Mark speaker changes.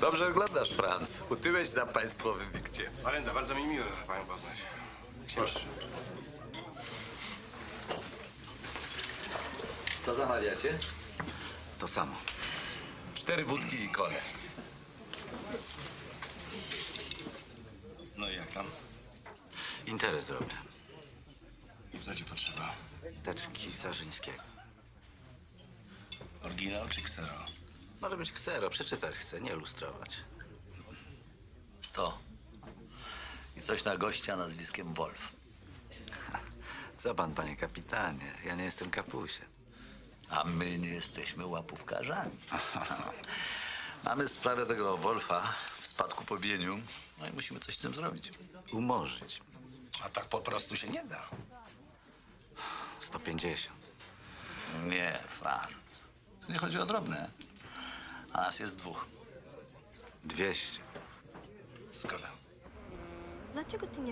Speaker 1: Dobrze wyglądasz, Franz. Utyłeś na państwowym wikcie.
Speaker 2: Marenda, bardzo mi miło panią poznać.
Speaker 1: Proszę. Co zamawiacie?
Speaker 3: To samo.
Speaker 1: 4 wódki i kole.
Speaker 2: No i jak tam?
Speaker 3: Interes robię.
Speaker 2: Co ci potrzeba?
Speaker 3: Teczki Sarzyńskiego.
Speaker 2: Oryginał czy ksero?
Speaker 3: Może być ksero, przeczytać chcę, nie lustrować.
Speaker 4: 100. I coś na gościa nazwiskiem Wolf.
Speaker 3: Co pan, panie kapitanie? Ja nie jestem kapusiem.
Speaker 4: A my nie jesteśmy łapówkarzami. Mamy sprawę tego Wolfa w spadku po bieniu. No i musimy coś z tym zrobić.
Speaker 3: Umorzyć.
Speaker 2: A tak po prostu się nie da.
Speaker 3: 150.
Speaker 4: Nie, Franz. Tu nie chodzi o drobne. A nas jest 2.
Speaker 3: 200.
Speaker 2: Zgoda.
Speaker 5: Dlaczego ty nie